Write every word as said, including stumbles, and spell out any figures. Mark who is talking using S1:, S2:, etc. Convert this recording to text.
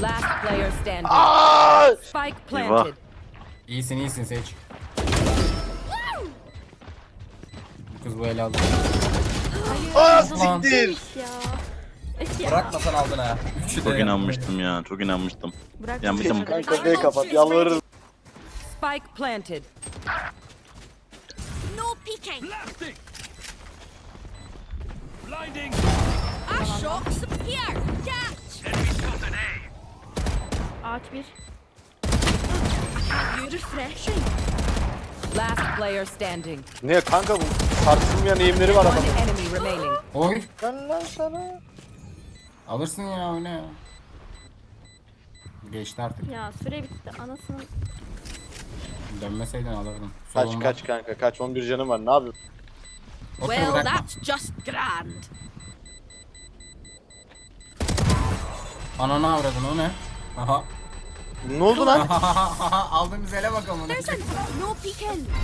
S1: Last player standing.
S2: Aa!
S1: Spike planted.
S3: İyisin iyisin seç. Bu kız bu ele aldı.
S2: Aa
S3: Lan.
S2: siktir.
S4: Ya. Öf ya.
S3: Bırakmasan aldın ha. Üçü de
S5: Çok
S3: yaptın.
S5: inanmıştım ya. Çok inanmıştım.
S4: Bırak.
S5: Ya bir de
S2: Kanka B kapat yalvarırım.
S1: Spike planted.
S6: No peeking.
S7: Blasting. Blinding.
S6: I shot some here. Catch.
S7: Enemy spotted A.
S4: Ağaç bir.
S6: You refreshing.
S1: Last player standing.
S2: Ne kanka bu tartışılmayan eğimleri var
S1: One
S2: adamın.
S1: enemy remaining.
S3: Oy.
S2: Ben lan sana.
S3: Alırsın ya o ne ya. Geçti artık.
S4: Ya süre bitti. Anasını.
S3: Dönmeseydin alırdın.
S2: Kaç
S3: Solunda.
S2: kaç kanka kaç on bir canım var ne yapıyorsun?
S3: Otur
S6: Well,
S3: bırakma.
S6: that's just grand.
S3: Ananı avradın o ne? Aha.
S2: Ne oldu lan?
S3: Aldığımız ele bakalım.
S6: There's a no peeking.